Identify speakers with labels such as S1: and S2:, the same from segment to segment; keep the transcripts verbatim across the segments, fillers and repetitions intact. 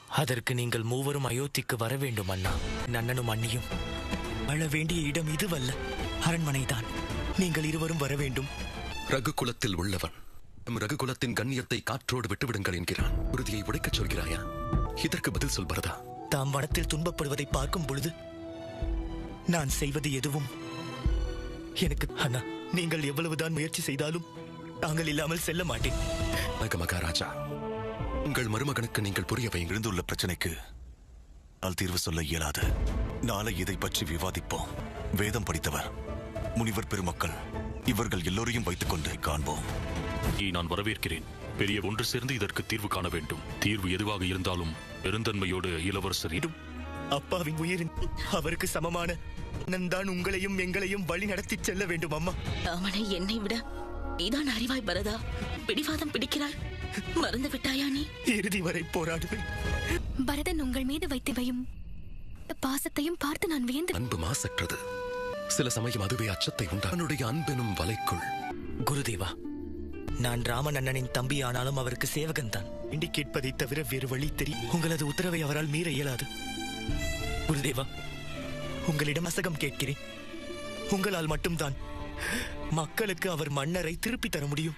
S1: அதற்கு நீங்கள் மூவரும் அயோத்திக்கு வர வேண்டும் அண்ணா. அண்ணனும் அண்ணியும் வாழ வேண்டிய இடம் இதுவல்ல, அரண்மனைதான். நீங்கள் இருவரும் வர வேண்டும்.
S2: ரகுகுலத்தில் உள்ளவன் ரகுகுலத்தின் கண்ணியத்தை காற்றோடு விட்டுவிடுங்கள் என்கிறான். உறுதியை உடைக்கச் சொல்கிறாயா? இதற்கு பதில் சொல் பரதா.
S1: தாம் வனத்தில் துன்பப்படுவதை பார்க்கும் பொழுது நான் செய்வது எதுவும் எனக்கு அண்ணா, நீங்கள் எவ்வளவுதான் முயற்சி செய்தாலும் தாங்கள் இல்லாமல் செல்ல மாட்டேன்.
S2: மகாராஜா, உங்கள் மருமகனுக்கு நீங்கள் புரிய வைங்க.
S3: எழுந்துள்ள பிரச்சனைக்கு நான் தீர்வு சொல்ல இயலாது. நாளை இதை பற்றி விவாதிப்போம். வேதம் படித்தவர் முனிவர் பெருமக்கள் இவர்கள் எல்லோரையும் வைத்துக் கொண்டு காண்போம்.
S4: நான் வரவேற்கிறேன். பெரிய ஒன்று சேர்ந்து இதற்கு தீர்வு காண வேண்டும். தீர்வு எதுவாக இருந்தாலும் பெருந்தன்மையோடு இளவரசர்
S1: அப்பாவின் உயிரின் அவருக்கு சமமான நான் உங்களையும் எங்களையும் வழி நடத்தி செல்ல வேண்டும். அம்மா,
S5: அவனை என்னை விட நீதான் அறிவாய் பரதா. பிடிவாதம் பிடிக்கிறாய், மறந்து விட்டாயா? நீ
S1: இறுதி வரை போராடுவேன்.
S6: பரதன் உங்கள் மீது வைத்து வையும் பாசத்தையும் பார்த்து நான் வியந்து.
S2: அன்பு மாசற்றது. சில சமயம் அதுவே அச்சத்தை உண்டா. அவனுடைய அன்பெனும் வலைக்குள்.
S1: குருதேவா, நான் ராமன் அண்ணனின் தம்பி, ஆனாலும் அவருக்கு சேவகன் தான். இண்டி கேட்பதை தவிர வேறு வழி தெரியும். உங்களது உத்தரவை அவரால் மீற இயலாது. குருதேவா, உங்களிடம் அசகம் கேட்கிறேன். உங்களால் மட்டும்தான் மக்களுக்கு அவர் மன்னரை திருப்பி தர முடியும்.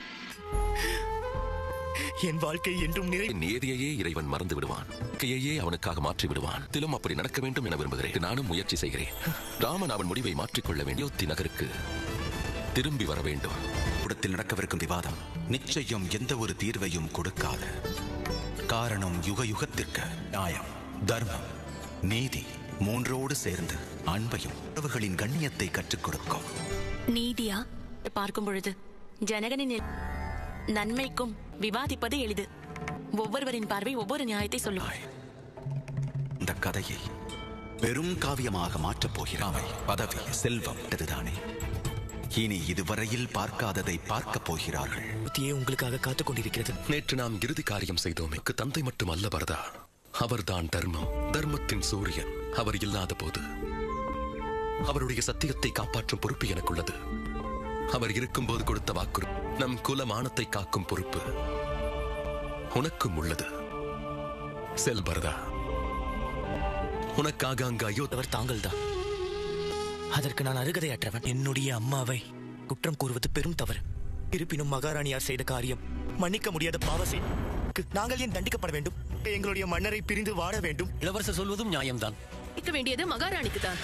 S1: என் வாழ்க்கை என்றும் நிறை
S2: நேதியையே இறைவன் மறந்து விடுவான், கையையே அவனுக்காக மாற்றி விடுவான். திலும் அப்படி நடக்க வேண்டும் என விரும்புகிறேன். நானும் முயற்சி செய்கிறேன். ராமன் அவன் முடிவை மாற்றிக்கொள்ள வேண்டும். அயோத்தி நகருக்கு திரும்பி வர வேண்டும்.
S3: கூடத்தில் நடக்கவிருக்கும் விவாதம் நிச்சயம் எந்த ஒரு தீர்வையும் கொடுக்காது. காரணம் யுக யுகத்திற்கு நியாயம், தர்மம், நீதி மூன்றோடு சேர்ந்து அன்பையும் உறவுகளின் கண்ணியத்தை கற்றுக் கொடுக்கும்.
S6: நீதியா
S5: பார்க்கும் பொழுது ஜனகனின் நன்மைக்கும் விவாதிப்பது எளிது. ஒவ்வொருவரின் பார்வை ஒவ்வொரு நியாயத்தை சொல்லும்.
S3: இந்த கதையை பெரும் காவியமாக மாற்றப் போகிறாவை. பதவி, செல்வம் இதுதானே. இனி இதுவரையில் பார்க்காததை பார்க்க போகிறார்கள்.
S1: உங்களுக்காக காத்துக் கொண்டிருக்கிறது.
S2: நேற்று நாம் இறுதி காரியம் செய்தோம். தந்தை மட்டும் அல்ல பரதா, அவர்தான் தர்மம், தர்மத்தின் சூரியன். அவர் இல்லாத போது அவருடைய சத்தியத்தை காப்பாற்றும் பொறுப்பு எனக்குள்ளது. அவர் இருக்கும்போது கொடுத்த வாக்கு, நம் குல மானத்தை காக்கும் பொறுப்பு உனக்கும் உள்ளது. செல் பரதா, உனக்காக அங்கு அயோத்தவர்
S1: தாங்கள் தான். அதற்கு நான் அருகதையற்றவன். என்னுடைய அம்மாவை குற்றம் கூறுவது பெரும் தவறு. இருப்பினும் மகாராணியார் செய்த காரியம் மன்னிக்க முடியாத பாவசை. நாங்கள் ஏன் தண்டிக்கப்பட வேண்டும்? எங்களுடைய மன்னரை பிரிந்து வாட வேண்டும்.
S7: இளவரசர் சொல்வதும் நியாயம்தான்.
S5: வேண்டியது மகாராணிக்கு தான்.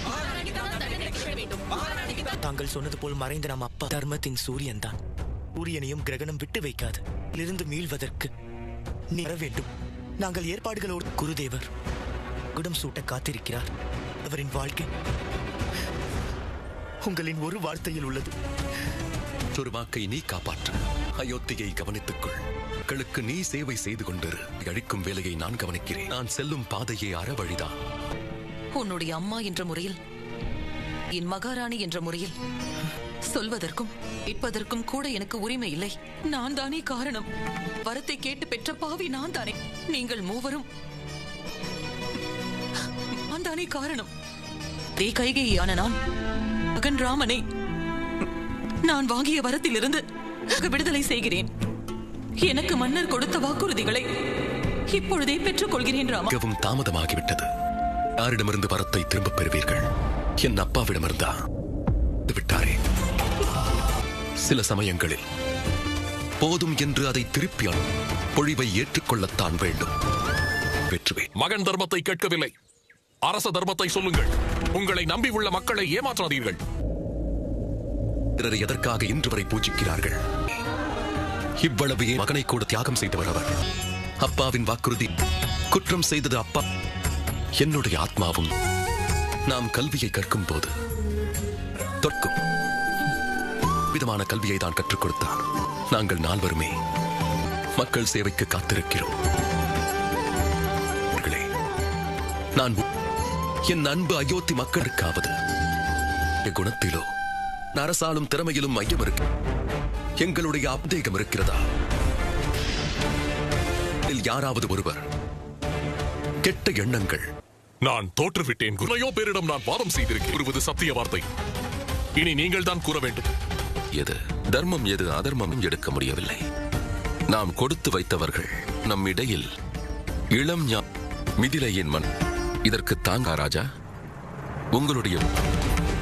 S1: தாங்கள் சொன்னது போல் மறைந்த நம் அப்பா தர்மத்தின் சூரியன் தான். சூரியனையும் கிரகணம் விட்டு வைக்காது. இருந்து மீள்வதற்கு நீ வர வேண்டும். நாங்கள் ஏற்பாடுகளோடு. குருதேவர் குடம் சூட்ட காத்திருக்கிறார். அவரின் வாழ்க்கை உங்களின் ஒரு வார்த்தையில் உள்ளது.
S2: ஒரு வாக்கை நீ காப்பாற்று. அயோத்தியை கவனித்துக்கொள். மக்களுக்கு நீ சேவை செய்து கொண்டிரு. அழிக்கும் வேலையை நான் கவனிக்கிறேன். நான் செல்லும் பாதையே அறவழிதான்.
S8: உன்னுடைய அம்மா என்ற முறையில், என் மகாராணி என்ற முறையில் சொல்வதற்கும் கேட்பதற்கும் கூட எனக்கு உரிமை இல்லை. நான் தானே காரணம். வரத்தை கேட்டு பெற்ற பாவி நான் தானே. நீங்கள் மூவரும் நான் தானே காரணம். தே கைகையான நான் மகன் ராமனை நான் வாங்கிய வரத்திலிருந்து விடுதலை செய்கிறேன். எனக்கு மன்னர் கொடுத்த வாக்குறுதிகளை இப்பொழுதே பெற்றுக் கொள்கிறேன். ராமா,
S2: மிகவும் தாமதமாகிவிட்டது. யாரிடமிருந்து வரத்தை திரும்பப் பெறுவீர்கள்? என் அப்பாவிடமிருந்தா விட்டாரே. சில சமயங்களில் போதும் என்று அதை திருப்பி பொழிவை ஏற்றுக்கொள்ளத்தான் வேண்டும். வெற்றுவே.
S4: மகன் தர்மத்தை கேட்கவில்லை, அரச தர்மத்தை சொல்லுங்கள். உங்களை நம்பி உள்ள மக்களை ஏமாற்றாதீர்கள்.
S2: பிறரை எதற்காக இன்று வரை பூஜிக்கிறார்கள்? இவ்வளவு மகனை கூட தியாகம் செய்தவர் அவர். அப்பாவின் வாக்குறுதி. குற்றம் செய்தது அப்பா. என்னுடைய ஆத்மாவும். நாம் கல்வியை கற்கும் போது தொற்கும் விதமான கல்வியை தான் கற்றுக் கொடுத்தார். நாங்கள் நால்வருமே மக்கள் சேவைக்கு காத்திருக்கிறோம். நான் என் அன்பு அயோத்தி மக்களுக்காவது குணத்திலோ அரசாலும் திறமையிலும் மையம் இருக்கு. எங்களுடைய அப்தேகம் இருக்கிறதா? யாராவது ஒருவர் கெட்ட எண்ணங்கள்.
S4: நான் தோற்றுவிட்டேன். குறையோ பேரிடம் நான் வாதம் செய்திருக்கிறது சத்திய வார்த்தை. இனி நீங்கள் தான் கூற வேண்டும்.
S2: எது தர்மம், எது அதர்மம் எடுக்க முடியவில்லை. நாம் கொடுத்து வைத்தவர்கள் நம் இடையில் இளம் ஞா மிதிலையின் மண் இதற்கு தாங்கா ராஜா. உங்களுடைய